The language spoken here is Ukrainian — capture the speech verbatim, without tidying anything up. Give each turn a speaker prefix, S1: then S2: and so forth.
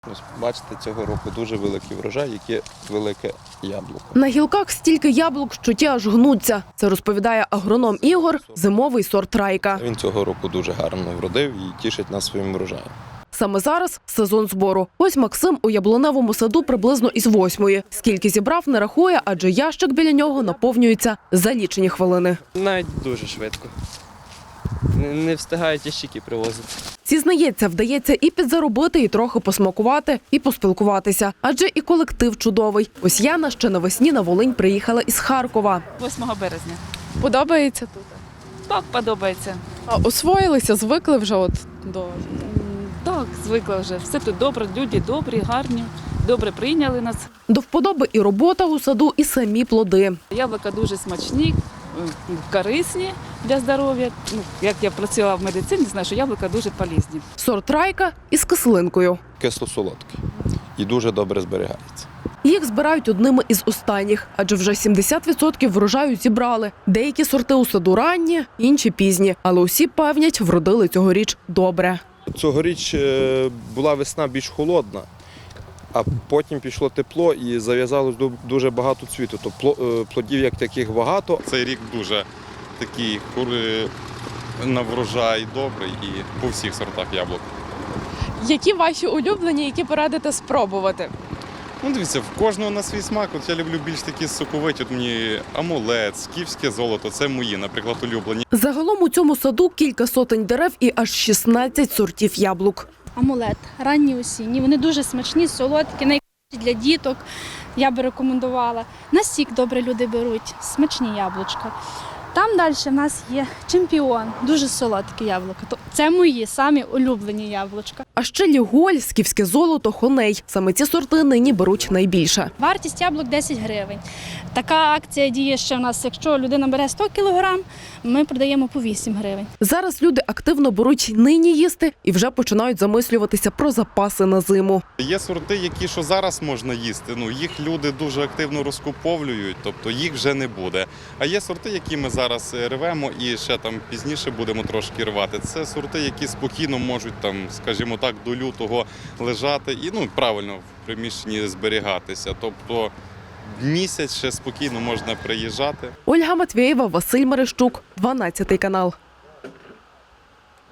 S1: Ось бачите, цього року дуже великий врожай, яке велике яблуко.
S2: На гілках стільки яблук, що ті аж гнуться. Це розповідає агроном Ігор, зимовий сорт Райка.
S1: Він цього року дуже гарно вродив і тішить нас своїм врожаєм.
S2: Саме зараз сезон збору. Ось Максим у яблуневому саду приблизно із восьмої. Скільки зібрав, не рахує, адже ящик біля нього наповнюється за лічені хвилини.
S3: Навіть дуже швидко. Не, не встигають ящики привозити.
S2: Зізнається, вдається і підзаробити, і трохи посмакувати, і поспілкуватися. Адже і колектив чудовий. Ось Яна ще навесні на Волинь приїхала із Харкова.
S4: восьмого березня.
S5: Подобається тут?
S4: Так, подобається.
S5: А освоїлися, звикли вже от до...
S4: Так, звикла вже. Все тут добре, люди добрі, гарні, добре прийняли нас.
S2: До вподоби і робота у саду, і самі плоди.
S4: Яблука дуже смачні, корисні для здоров'я. Ну, як я працювала в медицині, знаю, що яблука дуже полезні.
S2: Сорт Райка із кислинкою.
S1: Кисло-солодкий і дуже добре зберігається.
S2: Їх збирають одними із останніх, адже вже сімдесят відсотків врожаю зібрали. Деякі сорти у саду ранні, інші пізні, але усі певнять, вродили цьогоріч добре.
S1: Цьогоріч була весна більш холодна, а потім пішло тепло і зав'язалось дуже багато цвіту. Тобто плодів як таких багато.
S6: Цей рік дуже такий на врожай добрий і по всіх сортах яблук.
S5: Які ваші улюблені, які порадите спробувати?
S6: Ну, дивіться, в кожного на свій смак. От я люблю більш такі соковиті. От мені амулет, скіфське золото – це мої, наприклад, улюблені.
S2: Загалом у цьому саду кілька сотень дерев і аж шістнадцять сортів яблук.
S7: Амулет, ранні осінні. Вони дуже смачні, солодкі, найкращі для діток. Я би рекомендувала. На сік добре люди беруть, смачні яблучка. Там далі в нас є чемпіон, дуже солодкі яблука. Це мої самі улюблені яблучка.
S2: А ще ліголь, скіфське золото, хоней. Саме ці сорти нині беруть найбільше.
S7: Вартість яблук десять гривень. Така акція діє ще в нас, якщо людина бере сто кілограм, ми продаємо по вісім гривень.
S2: Зараз люди активно беруть нині їсти і вже починають замислюватися про запаси на зиму.
S6: Є сорти, які що зараз можна їсти, ну їх люди дуже активно розкуповують, тобто їх вже не буде. А є сорти, які ми зараз рвемо і ще там пізніше будемо трошки рвати. Це сорти, які спокійно можуть там, скажімо так, до лютого лежати і ну правильно в приміщенні зберігатися. Тобто місяць ще спокійно можна приїжджати.
S2: Ольга Матвєєва, Василь Мерещук, дванадцятий канал.